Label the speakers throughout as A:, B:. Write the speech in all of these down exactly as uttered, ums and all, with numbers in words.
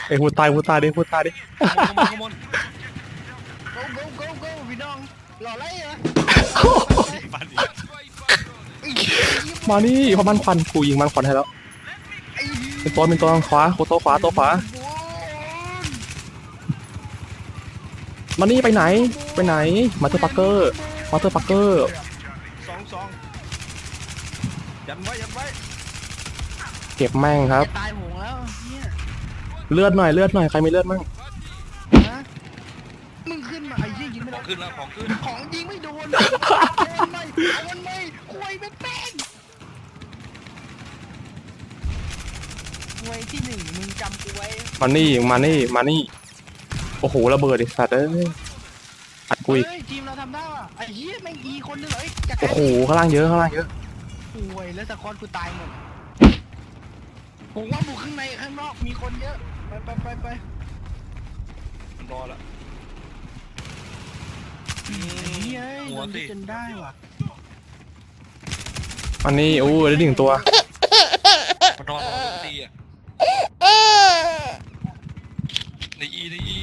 A: ไอ้พูดตายพูดตายดิพูดตายดิ
B: ขโมยขโมย
C: go go go go พี่น้องหล่อไรเหรอ
B: ฟันดิ
A: มานี่พอมันควันกูยิงมันควันให้แล้วเป็นตัวเป็นตัวขวาโคโตขวาตัวขวามานี่ไปไหนไปไหนมาเตอร์ปักเกอร์มาเตอร์ปักเกอร์
B: สองสองยันไว้ยันไว้
A: เก็บแม่งครับ
C: จะตายโหงแล้วเนี่ย
A: เลือดหน่อยเลือดหน่อยใครมีเลือดมั่ง
C: ฮะมึงขึ้นมาไอ้ยี่ยิงไม่
B: ข
C: โด
B: อง
C: น
B: ขึ้นแล้วของขึ้น
C: ของยิงไม่โดนเอามันไม่เอามันไม่คุยเป็นแป้งคุยที่หนึ่งมึงจำกูไว้
A: มานี่มานี่มานี่โอ้โหระเบิดไอ้สัตว์เอ้ยอัดกูอีก
C: เฮ้ยทีมเราทำได้ว่ะไอ้เหี้ยแม่งอีคนนึงเหรอไอ้จักร
A: โอ้โหข้างล่างเยอะข้างล่างเยอะ
C: คุยแล้วตะคอนกูตายหมดผมว่าบุกข้างในข้างนอกมีคนเยอะไปไปไปไป
B: รอแล้ว
C: เฮ้ย
B: หัว
C: โดน
B: สิ
C: จนได้ว่ะ
A: อันนี้โอ้ได้หนึ่งตัว
B: มานอนรอตีอ่ะในอีในอี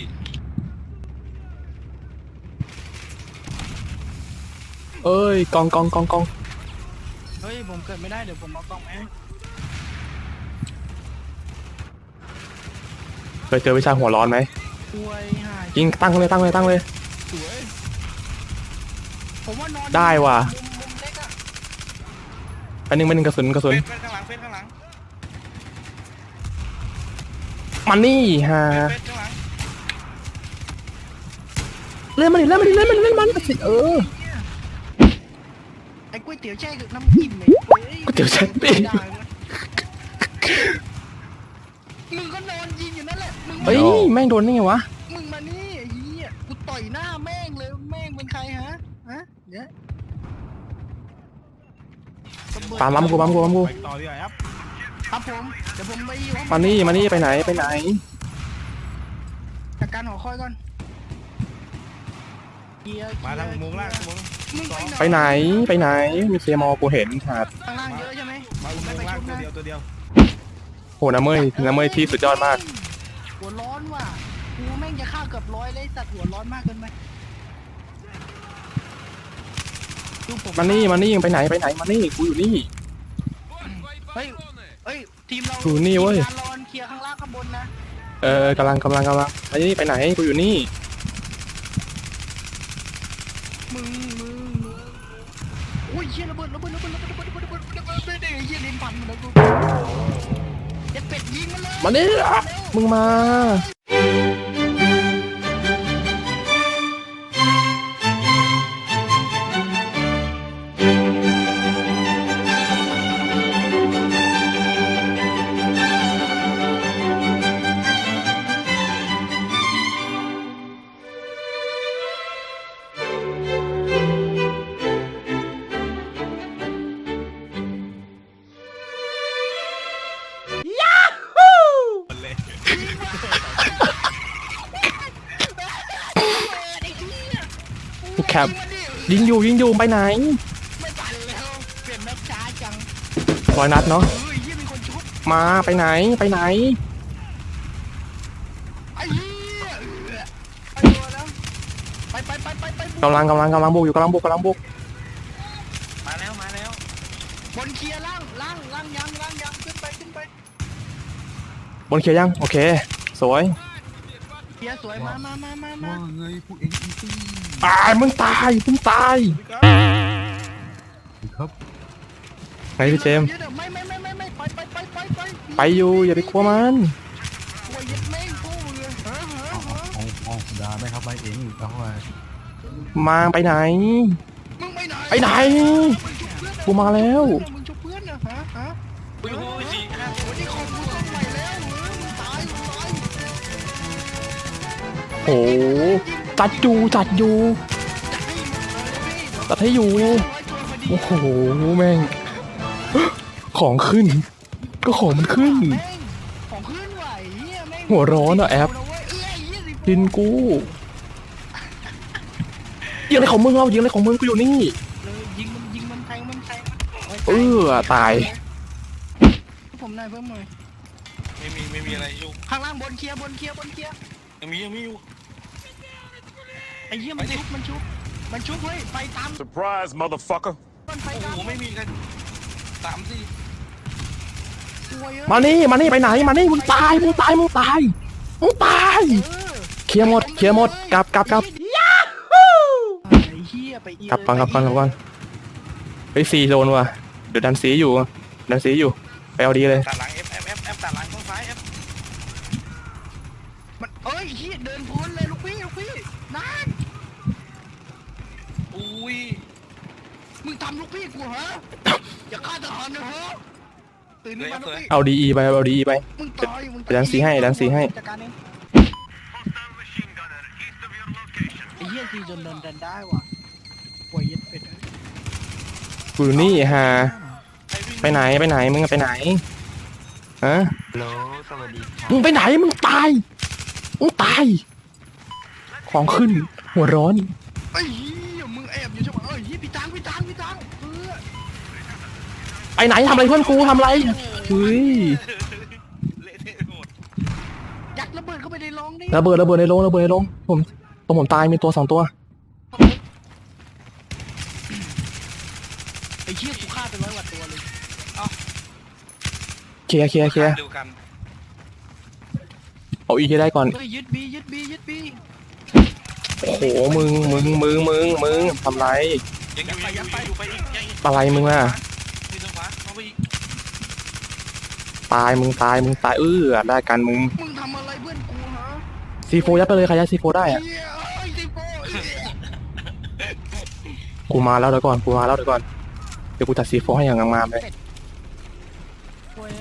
A: เอ้ยกองกองกองกอง
C: เฮ้ยผมเกิดไม่ได้เดี๋ยวผมเอากล้องมาให้
A: เคยเจอวิชาหัวร้อนไหม
C: คุยหาย
A: ยิงตั้งเลยตั้งเลยตั้งเลย
C: สวยผมว่านอน
A: ได้ว่ะ
C: มุมมุมเล็กอะ
A: อันนึงเป็นงกระสุนกระสุน
B: เฟสข้างหลังเฟสข้างหลัง
A: มันนี่ฮะ
B: เฟสข้างหลัง
A: เล่นมันดิเล่นมันดิเล่นมันดิเล่นมันสิเออ
C: ไอ้ก๋วยเตี๋ยวแช่กับน้ำจิ้มเลยฮ้
A: ก๋วยเตี๋ยวแช่ปิ้ง
C: ได้เว้ยมึงก็นอนยิงอยู่นั่นแหละมึง
A: เฮ้ยแม่งโดนได้ไงวะ
C: มึงมานี่ไอ้เหี้ยกูต่อยหน้าแม่งเลยแม่งเป็นใครฮะฮะเนี่ย
A: ตามล้ำกูล้ำกูล้ำกู
B: ไปต่อดีกว่าครับ
C: ครับผมเดี๋ยวผมไปอยู่ห้อง
A: มานี่มานี่ไปไหนไปไหน
C: จัดการหอคอยก่อนเกียร์
B: มาทางมุมล่างมุม
C: มึง
A: ไปไหนไปไหนมีเคมอกูเห็นขาด
C: ข้างล่างเยอะใช่ไหม
B: มามุม
C: ไม่ไป
B: ล่าง
C: ชุบ
B: ตัว
C: นะ
B: เดียวตัวเดียว
A: โหน้ำเมยน้ำเมยที่สุดยอดมาก
C: หัวร้อนว่ะกูแม่งจะฆ่าเกือบร้อยเลยสัตว์หัวร้อนมากเกินไปดูผม
A: มานี่มานี่ยังไปไหนไปไหนมานี่กูอยู่นี่
C: เฮ้ยเฮ้ยทีมเรา
A: อยู่นี่เว้ย
C: ทีมงานรอนเคลียร์ข้างล่างข้างบนนะ
A: เออกำลังกำลังกำลังไปนี่ไปไหนกูอยู่นี่
C: มึงมึงมึงโอ้ยเชี่ยระเบิดระเบิดระเบิดระเบิดระเบิดระเบิดระเบิดระเบิดระเบิดระเบิดเชี่ยลิ้นพันมันแล้วกูเจ็ดเป็ดยิงมันเลย
A: มานี่อ่ะมึงมาแคปยิงอยู่ยิงอยู่ไปไหน
C: ไม่ปั่นแล้วเปลี่ยนแม็กช้าจัง
A: ร้อยนัดเนาะ
C: เฮ้ยเหี้ยมีคนชุบ
A: มาไปไหนไปไหน
C: ไอ้เหี้ยไปตัวแล้วไปไปไปไปไปบุก
A: กำลังกำลังกำลังบุกอยู่กำลังบุกกำลังบุก
B: มาแล้วมาแล้ว
C: บนเคลียร์ล่างล่างล่างยังล่างยังขึ้นไปขึ้นไป
A: บนเคลียร์ยังโอเคสวย
C: เคลียร์สวยมามามามามา
B: ว่าไงพวกเอ็งอีซี่
A: ตายมึงตายมึงตาย
B: ครับ
A: ไงพี่เจมส์
C: ไม่ไม่ไม่ไม่ไม่ไปไปไปไปไป
A: ไปอยู่อย่าไปกลัวมัน
C: โอ้ยยัดแม่งกูเลยฮะฮะฮะ
D: เอาเอาด่าไม่ครับไปเองเอาไป
A: มาไปไหน
C: มึงไปไหน
A: ไปไหน กูมาแล้ว
C: มึงชุบเพื่อนนะฮะฮะ
B: อุ้ยอุ้ยสี่ห้า
C: วันนี้ของกูต้องไปแล้วเหรอมึงตายมึงตาย
A: โหจัดอยู่จัดอยู่
C: จัดให้มึงเลยพี่
A: จัดให้อยู่
C: ร้อยตัวพอดี
A: โอ้โหแม่ง ของขึ้น ก็ของมันขึ้น
C: แม่งของขึ้นไหวเหี้ยแม่ง
A: หัวร้อนอะแอป
C: เว้ยเอ้ยยี่สิบ
A: ดินกูยิงอะไรของมึงเรายิงอะไรของมึงกูอยู่นี่
C: เลยยิงมันยิงมันแทงมันแทงมัน
A: เออตาย
C: ผมนายเพิ่มหน่อย
B: โอเคไม่มีไม่มีอะไรอยู่
C: ข้างล่างบนเคลียร์บนเคลียร์บนเคลียร์
B: ยังมียังมีอยู่
C: ไอ้เหี้ยมันชุบมันชุบมันชุบเฮ้ยไฟตาม
E: Surprise, motherfucker.
C: มันไฟ
B: โอ้
C: ตาม
B: โหไม่มีกันสามสี่
C: สวยเอ้ย
A: มานี่มานี่ไปไหนมานี่มึงตายมึงตายมึงตายมึงตาย
C: เออ
A: เคลียร์หมดเคลียร์หมดกลับกลับกลับ
C: ไอ้เหี้ยไปอี
A: กลับก่อนกลับก่อนกลับก่อนเฮ้ยซีโดนว่ะเดี๋ยวดันซีอยู่ดันซีอยู่ไปเอาดีเลย
B: ตัดหลัง F F F F ตัดหลังข้างซ้าย F
C: มันเอ้ยเหี้ยเดินพ้นเลยลูกพี่ลูกพี่นั่น
B: อุ้ย
C: มึงทำลูกพี่กูเหรออย่าฆ่าทหารนะเหรอตื่นขึ้นมาลูกพี่
A: เอาดีไปเอาดีไป
C: มึงตายมึง
A: ไปดันซีให้ดันซีให้
C: จัดการเองไอ้เหี้ยซีจนเดินเดินได้ว่ะป่วยเย็ดเป็ดเอ้ย
A: กูนี่ฮะ
B: ใครวิ่ง
A: ไปไหนไปไหนมึงไปไหนฮะ
F: ฮัลโหลสวัสดีครับ
A: มึงไปไหนมึงตายมึงตายของขึ้นหัวร้อน
C: ไอ้เหี้ยมึงแอบอยู่ใช่ไหมเอ้ยเหี้ยพี่ตังพี่ตังพี่ตังเออ
A: ไปไหนทำอะไรเพื่อนกูทำอะไรเฮ้ย
B: เละเทะหมด
C: ยัดระเบิดเข้าไปในรองนี่
A: ระเบิดระเบิดในโรงระเบิดในโรงผมตรงผมตายมีตัวสองตัว
C: ไอ้เหี้ยกูฆ่าไปร้อยกว่าตัวเลย
A: เคลียร์เคลียร์เคลียร์
B: เดียวกัน
A: เอาอีกให้ได้ก่อน
C: เฮ้ยยึดบียึดบียึดบี
A: โอ้โหมึงมึงมึงมึงมึงทำไร
B: ยังอยู่ยังอยู่ยังอยู่ไปอีกยังอีก
A: อะไรมึงอ่ะ
B: ที่ทางขวาเข้าไปอีก
A: ตายมึงตายมึงตายเออได้กันมึง
C: มึงทำอะไรเพื่อนกูฮะ
A: ซีโฟยัดไปเลยใครยัดซีโฟได้อะ
C: เหี้ยไอ้สิโป้เหี้ย
A: กูมาแล้วเดี๋ยวก่อนกูมาแล้วเดี๋ยวก่อนเดี๋ยวกูจัดซีโฟให้อย่างงามๆเลย
C: โว้ย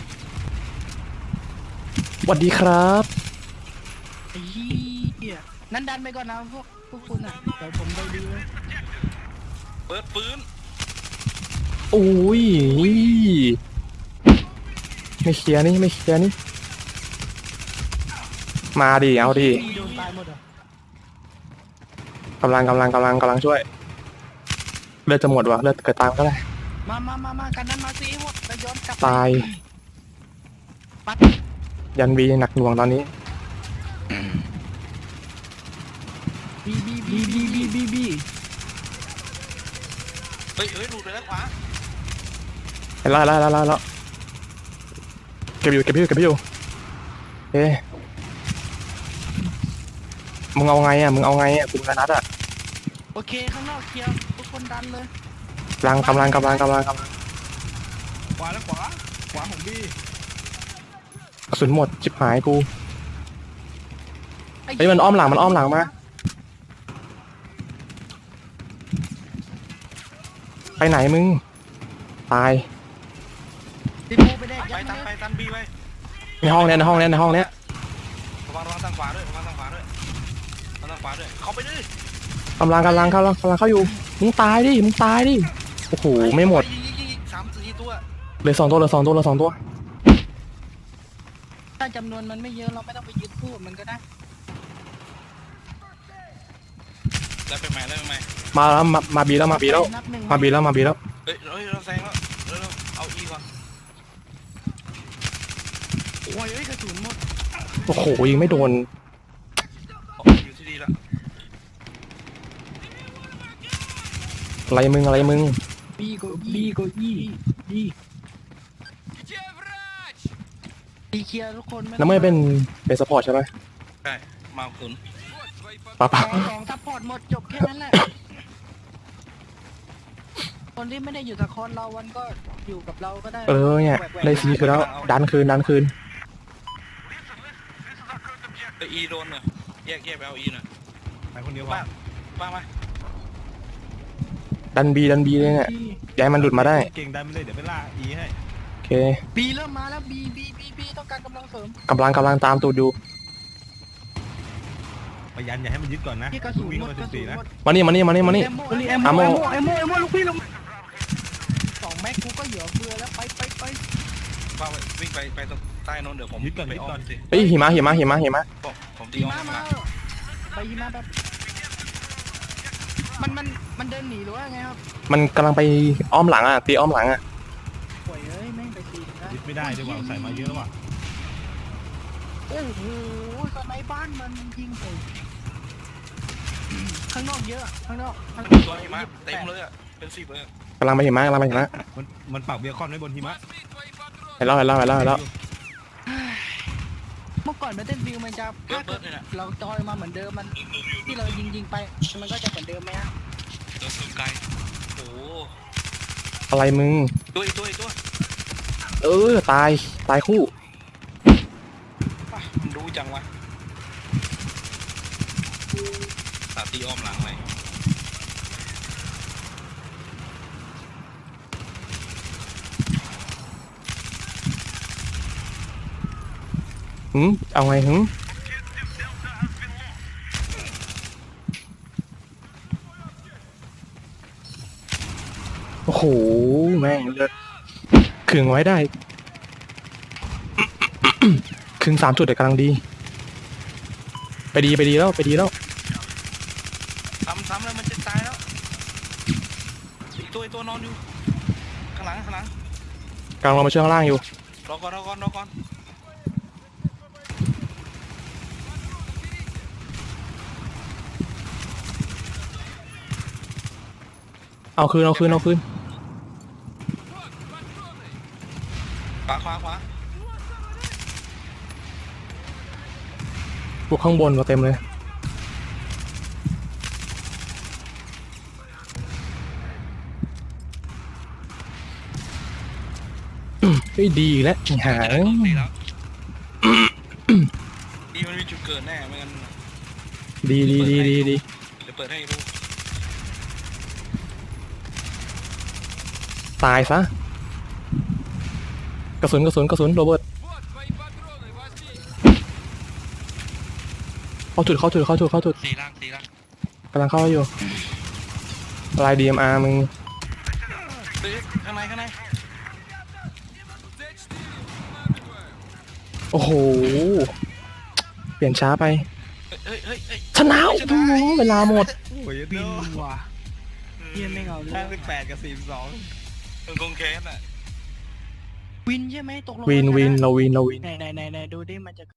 A: สวัสดีครับ
C: ไอ้เหี้ยนั่นดันไปก่อนนะพวกพวกคุณอ่ะเดี๋ยวผมไปดูเลย
B: เปิดปืน
A: โอ้ยไม่เคลียร์นี่ไม่เคลียร์นี่มาดิเอาดิ
C: พี่โดนตายหมดเหรอก
A: ำลังกำลังกำลังกำลังช่วยเลือดจะหมดวะเลือดเกิดตามก็ได้
C: มามามามากันนั้นมาสิหมดแล้วย้อนกลับ
A: ตาย
C: ปัด
A: ยันวีหนักหน่วงตอนนี้
C: บีบีบีบีบีบีบี
B: เฮ้ยเฮ้ยหลุดไปแล้วขวา
A: เห็นแล้วแล้วแล้วแล้วเก็บอยู่เก็บอยู่เก็บอยู่เอ๊ะมึงเอาไงอ่ะมึงเอาไงอ่ะกูกระนัดอ่ะ
C: โอเคข้างนอกเคลียร์ทุกคนดันเลย
A: กำลังกำลังกำลังกำลังกำลัง
B: ขวาแล้วขวาขวาของบี้
A: กระสุนหมดชิบหายกูเฮ้ยมันอ้อมหลังมันอ้อมหลังมาไปไหนมึงตาย
C: ติดโบไปได้
B: ไป
C: ยัด
B: ตัน
C: เล
B: ไป
C: ย
B: ตันบี้ไป
A: ในห้องเนี้ยในห้องเนี้ยในห้องเนี้ย
B: ระวังระวังทางขวาด้วยระวังทางขวาด้วยระวังทางขวาด้วยเข้าไปดิ
A: กำลังกำลังกำลังกำลังเข้าอยู่มึงตายดิมึงตายดิโอ้โหไม่หมด
B: ยิงยิงยิงยิงสามสี่ตัว
A: เหลือสองตัวเหลือสองตัวเหลือสองตัว
C: ถ้าจำนวนมันไม่เยอะเราไม่ต้องไปยึดคู่มันก็ได้
B: แล้วไปใหม่แล้วไปใหม่
A: มาแล้วมามาบีแล้วมาบีแล้ว
C: นับหนึ่ง
A: มาบีแล้วมาบีแล้ว
B: เฮ้ยเฮ้ยเราแซงแล้วเร็วๆเอาอีก่อน
C: โอ้ยเอ้ยกระสุนหมด
A: โอ้โหยิงไม่โดน
B: อยู่ที่ดีแล้ว
A: อะไรมึงอะไรมึง
C: บีโกบีโกอีบีบีเคลียร์ทุกคน
A: น้ำเมื่อเป็นเป็นสปอร์ตใช่ไหม
B: ใช่มาคุณ
A: ป้าป้า
C: สองสองซัพพอร์ตหมดจบแค่นั้นแหละคนที่ไม่ได้อยู่กับคอนเราวันก็อยู่กับเราก็ได้
A: เออเนี่ยได้ซีคือแล้วดันคืนดันคืน
B: ไปอีโดนหน่อยแยกแยกไปเอาอีหน่อย
D: ไปคนเดียว
B: ป้า
D: ว่า
B: ป้ามา
A: ดันบีดันบีเลยเนี่ยย้ายมันหลุดมาได้
D: เก่งได้ไม่เลยเดี๋ยวไปล่าอีให้
A: โอเค
C: บีเริ่มมาแล้วบีบีบีบีต้องการกำลังเสริม
A: กำลังกำลังตามตูดอยู่
D: พยายามอย่าให้มันยึดก่อนนะ
C: ที่กระสุน
D: วิ่ง
C: หมด
D: มาก
C: ระ
D: สิ
C: สุ
D: บ
C: น
D: สี่นะ
C: หมด
A: มานี่มานี่มานี่มานี่
C: เอโมเอโม
A: อาโม
C: เอโมเอโมลูกพี่ลงสองแม็กกูก็เหลือเฟือแล้วไปไปไป
B: ป้าวิ่งไปไปตรงใต้นนเดี๋ยวผม
D: ยึดก่อน
B: ไป
D: ยึด
B: อ้อ
D: ก่อน
B: มสิ
A: เฮ้ยหิมะหิมะหิมะหิมะ
B: ผมผมตี
C: หิ
B: อ้อ
C: มะ
B: ม
C: มา
B: มา
C: ไปหิมะแบบมันมันมันเดินหนีหรือว่าไงครับ
A: มันกำลังไปอ้อมหลังอ่ะตีอ้อมหลังอ่ะ
C: ป่วยเอ้ยแม่งไปตีนะ
D: ยึดไม่ได้ด้วยว่าใส่มาเยอะว่ะ
C: โอ้โหสไนบ้านมันยิงผมข้างนอกเยอะข้างนอกข้างนอก
B: ตัวหิมะเต็มเลยอ่ะเป็นสิบเลยอะ
A: กำลังไปหิมะกำลังไปหิมะ
D: มันมันปักเบคอนไว้บนหิมะ
A: เห็นแล้วเห็นแล้วเห็นแล้วเห็นแล้ว
C: เมื่อก่อนแบทเทิลฟิลมันจะ
B: เบิร์
C: ถ้า
B: ดเบิร์ดเลยนะ
C: เราจอยมาเหมือนเดิมมันที่เรายิงยิงๆไปมันก็จะเหมือนเดิมไหมฮะ
B: เดินไกลโอ้โห
A: อะไรมึง
B: ตัวอีกตัวอีกตัว
A: เออตายตายคู่
B: ป่ะมันรู้จังวะสาตีอ้อมหลังเลย
A: หืมเอาไงหืมโอ้โหแม่งเลือดขึงไว้ได้ ขึงสามจุดเดี๋ยวกำลังดี ไปดีไปดีแล้วไปดีแล้ว
B: ซ้ำซ้ำแล้วมันจะตายแล้วอีกตัวอีกตัวนอนอยู่ข้างหลังข้างหลัง
A: กำลังลงมาช่วยข้างล่างอยู่
B: รอก่อนรอก่อนรอก่อน
A: เอาคืนเอาคืนเอาคืน
B: ขวาขวาขวา
A: พวกข้างบนมาเต็มเลยเฮ้ยดีอีกแล้วหา
B: เจอตัวตีแล้วดีมันมีจุดเกิดแน่ไม่งั้น
A: ดีดีดีดีดี
B: เดี๋ยวเปิดให้ดู
A: ตายซะกระสุนกระสุนกระสุนโรเบิร์ตเข้าจุดเข้าจุดเข้าจุดเข้าจุด
B: สีล่างสีล่าง
A: กำลังเข้าอยู่ลาย ดี เอ็ม อาร์ มึง
B: เฮ้ยข้างในข้างใน
A: โอ้โห เปลี่ยนช้าไป
B: เฮ้ยเฮ้ยเฮ้ย
A: ชนะโอ้โหเวลาหมด
D: โอ้ย
C: บิ
D: เดีย
C: น
D: ว
C: ว่ะเฮียไม่เอาเล
D: ห้าย สิบแปดกับสี่สิบสอง
B: มึงคงแคสอ่ะ
C: วินใช่ไหมตกลง
A: วินวินเราวินเราวิน
C: ไหนไหนไหนไหนดูดิมันจะ